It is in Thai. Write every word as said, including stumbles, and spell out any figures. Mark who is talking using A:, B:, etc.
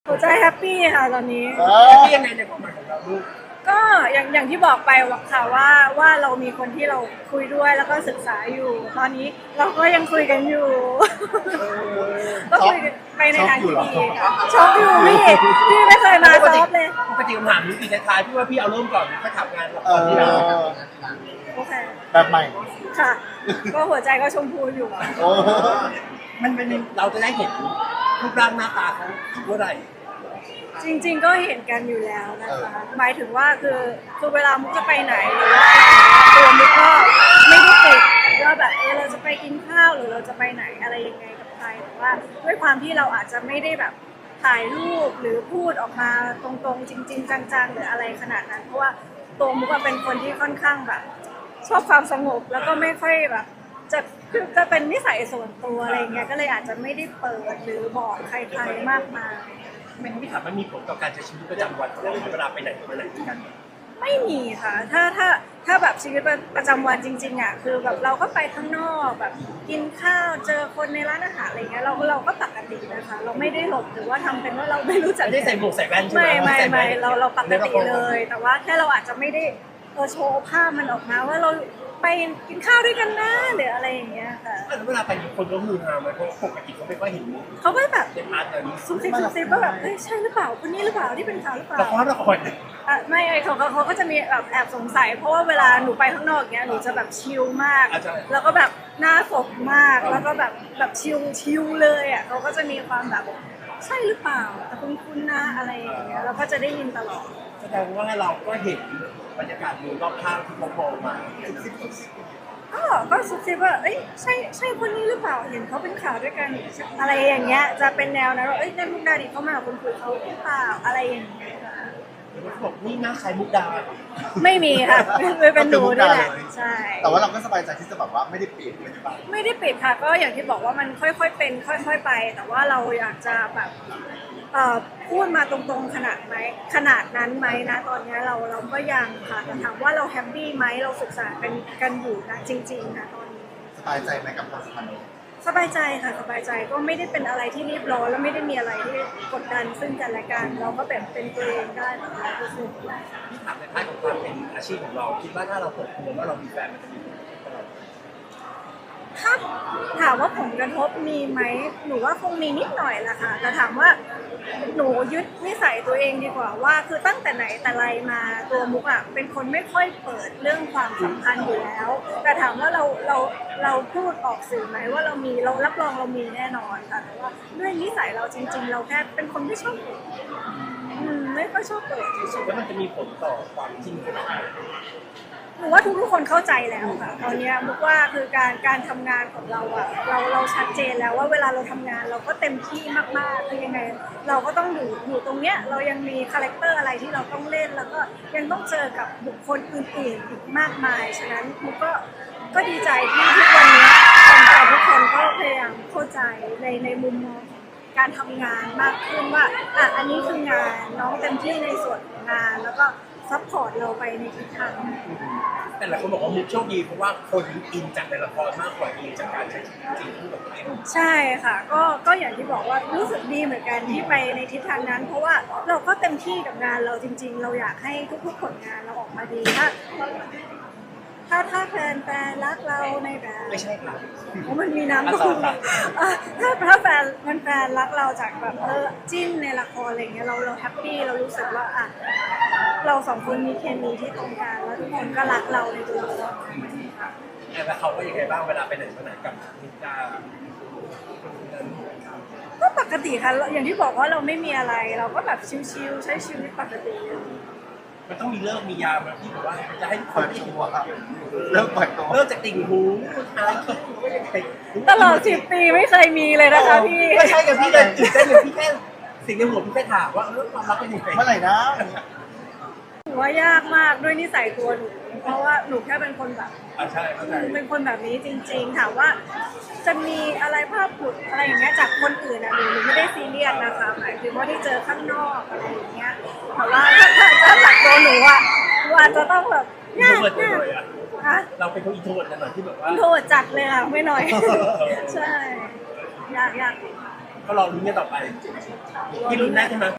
A: หัวใจแฮปปี้ค่ะตอนนี้
B: แฮปปี้ยังไงในความหมายของเราลูก
A: ก็อย่างอย่างที่บอกไปค่ะว่าว่าเรามีคนที่เราคุยด้วยแล้วก็ศึกษาอยู่ตอนนี้เราก็ยังคุยกันอยู่ก็คุยไปในทางที่ดีค่ะชอบอยู่พี่พี่ไม่เคยมาซอฟเลย
B: ปกติคำถามนี้ปีท้ายๆพี่ว่าพี่เอาเริ่มก่อนถ้าถามงานก่อนที่เรา
A: โอเค
C: แบบใหม่
A: ค่ะก็หัวใจก็ชมพูอยู่
B: มันเป็นเราจะได้เห็นรูปร่างหน้าตาเขาเมื่อไหร่
A: จริงๆก็เห็นกันอยู่แล้วนะคะหมายถึงว่าคือคือเวลามุกจะไปไหนหรือว่าตัวมุกก็ไม่ได้ติดว่าแบบเออเราจะไปกินข้าวหรือเราจะไปไหนอะไรยังไงกับใครแต่ว่าด้วยความที่เราอาจจะไม่ได้แบบถ่ายรูปหรือพูดออกมาตรงๆจริงๆจังๆหรืออะไรขนาดนั้นเพราะว่าตัวมุกเป็นคนที่ค่อนข้างแบบชอบความสงบแล้วก็ไม่ค่อยแบบจะคือจะเป็นนิสัยส่วนตัวอะไรเงี้ยก็เลยอาจจะไม่ได้เปิดหรือบอกใครๆมากมาย
B: ไม่ไม่ถามมันมีผลต่อการใช้ชีวิตประจำวันของเราเวลาไปไหนมาไหนกัน
A: ไม่มีค่ะถ้าถ้าถ้าแบบชีวิตประจำวันจริงๆอ่ะคือแบบเราก็ไปข้างนอกแบบกินข้าวเจอคนในร้านอาหารอะไรเงี้ยเราเราก็ปกตินะคะเราไม่ได้หลบหรือว่าทำเป็นว่าเราไม่รู้จัก
B: ไม่ได้ใส่หมวกใส่แว่นใช่ไหม
A: ไม่ไม่ไม่เราเราปกติเลยแต่ว่าแค่เราอาจจะไม่ได้เออโชว์ภาพมันออกมาว่าเราไปกินข้าวด้วยกันนะหรืออะไรอย่างเงี้ยค่ะ
B: แล้วเวลาไปคนก็มือฮาไหมเพราะปกติเขาไม่ค่อยเห็น
A: เขาก็แบบ
B: เด็กอาร์ตแบบนี้
A: ซุบซิบซุบซิบว่าแบบเฮ้ยใช่หรือเปล่าคนนี้หรือเปล่าที่เป็นข่าวหรือเปล่า
B: ละครละคร
A: อ่ะไม่เขาเขาเขาก็จะมีแบบแอบสงสัยเพราะว่าเวลาหนูไปข้างนอกเนี้ยหนูจะแบบชิลมากแล้วก็แบบหน้าสดมากแล้วก็แบบแบบชิลชิลเลยอ่ะเขาก็จะมีความแบบใช่หรือเปล่าแต่คุณคุณนะอะไรอย่างเงี้ยเราก็จะได้ยินตลอด
B: แสดงว่าเราก็เห็นบรรยากาศมือรอบข้างที่เขามองมา
A: ก็ก็ซุบซิบว่าเอ้ยใช่ใช่คนนี้หรือเปล่าเห็นเขาเป็นข่าวด้วยกันอะไรอย่างเงี้ยจะเป็นแนวนั้นว่าเอ้ยในมุกดาดิเขามาคุณคุยเขาหรือเปล่าอะไรอย่างเงี้ย
B: เขาบอกนี่หน้าใครมุกดา
A: ไม่มีค่ะไม่เป็นหนูนี่แหละใช่
C: แต่ว่าเราก็สบายใจที่จะแบบว่าไม่ได้ปิดไม่ได้บัง
A: ไม่ได้ปิดค่ะก็อย่างที่บอกว่ามันค่อยๆเป็นค่อยๆไปแต่ว่าเราอยากจะแบบพูดมาตรงๆขนาดไหมขนาดนั้นไหมนะตอนนี้เราเราก็ยังค่ะแต่ถามว่าเราแฮปปี้ไหมเราศึกษากันกันอยู่นะจริงๆนะตอนนี้
C: สบายใจไหมกับความสัมพันธ์
A: สบายใจค่ะสบายใจก็ไม่ได้เป็นอะไรที่รีบร้อนแล้วไม่ได้มีอะไรที่กดดันซึ่งกันและกันเราก็แบบเป็นตัวเองได้แบบร้อยเปอร์เซ็นต์
B: ที่ถามในภาคของความเป็นอาชีพของเราคิดว่าถ้าเราเปิดตัวว่าเรามีแฟนมันจะมีผลกับเรา
A: ถ้าถามว่าผลกระทบมีไหมหนูว่าคงมีนิดหน่อยแหละค่ะแต่ถามว่าหนูยึดนิสัยตัวเองดีกว่าว่าคือตั้งแต่ไหนแต่ไรมาตัวมุกอ่ะเป็นคนไม่ค่อยเปิดเรื่องความสัมพันธ์อยู่แล้วแต่ถามว่าเราเราเราพูดออกสื่อไหมว่าเรามีเรารับรองเรามีแน่นอนค่ะแต่ว่าด้วยนิสัยเราจริงๆเราแค่เป็นคนไม่ชอบเปิดไม่ค่อยชอบเปิด
B: แล้วมันจะมีผลต่อความจริงของเรา
A: หนูว่าทุกๆคนเข้าใจแล้วค่ะตอนนี้มุกว่าคือการการทำงานของเราอะเราเราชัดเจนแล้วว่าเวลาเราทำงานเราก็เต็มที่มากๆคือยังไงเราก็ต้องอยู่อยู่ตรงเนี้ยเรายังมีคาแรคเตอร์อะไรที่เราต้องเล่นแล้วก็ยังต้องเจอกับบุคคลอื่นๆอีกมากมายฉะนั้นมุกก็ก็ดีใจที่ทุกวันนี้คนไทยทุกคนก็พยายามเข้าใจในในมุมมองการทำงานมากขึ้นว่าอ่ะอันนี้คืองานน้องเต็มที่ในส่วนของงานแล้วก็ซัพพอร์ตเราไปในทิศทาง
B: แต่หลายคนบอกว่ามุกโชคดีเพราะว่าคนอินจากในละครมากกว่าอินจากการใช้ชีวิตจริงที่แบบตัวเอง
A: ใช่ค่ะก็ก็อย่างที่บอกว่ารู้สึกดีเหมือนกันที่ไปในทิศทางนั้นเพราะว่าเราก็เต็มที่กับงานเราจริงๆเราอยากให้ทุกๆผลงานเราออกมาดีถ้าถ้าถ้าแฟนแฟนรักเราในแบบ
B: ไม่ใช่ค่ะ
A: เพราะมันมีน้ำตุ้มถ้าถ้าแฟนแฟนรักเราจากแบบเออจิ้นในละครอะไรเงี้ยเราเราแฮปปี้เรารู้สึกว่าอ่ะเราสองคนมีเคมีที่ตรงกันแล้วทุกคนก็รักเราในตัวเรา
B: แล้วเขาก็ยังไงบ้างเวลาไปไหนมาไหนกับนิจา
A: ก็ปกติค่ะอย่างที่บอกว่าเราไม่มีอะไรเราก็แบบชิลๆใช้ชีวิตปกติ
B: มันต้องมีเลิกมียามแบบที่บอกว่าจะให้คนที่
C: หัวเลิกปล่อยตัว
B: เลิกจากติ่งหูท้าย
A: ตลอดสิบปีไม่เคยมีเลยนะคะพี่
B: ไม่ใช่กับพี่เลยตื่นเต้นเลยพี่แค่สิ่งในหัวพี่แค่ถามว่าเออความรักเป็นยังไง
C: เมื่อไหร่นะ
A: ถือว่ายากมากด้วยนิสัยตัวหนูเพราะว่าหนูแค่เป็นคนแบบ
B: ใช่
A: เป็นคนแบบนี้จริงๆถามว่าจะมีอะไรภาพผุดอะไรอย่างเงี้ยจากคนอื่นอะหนูหนูไม่ได้ซีเรียสนะคะหมายถึงว่าที่เจอข้างนอกอะไรอย่างเงี้ยแต่ว่าถ้าถ้าจากตัวหนูอะหนูอาจจะต้องแบบ
B: ยากยากเราเป็นคนอินโทรดกันหน่อยที่แบบว่า
A: อินโทรดจัดเลยค่ะไม่น้อยใช่ยากยาก
B: ก็รอลุ้นกันต่อไปพี่ลุ้นได้ใช่ไหม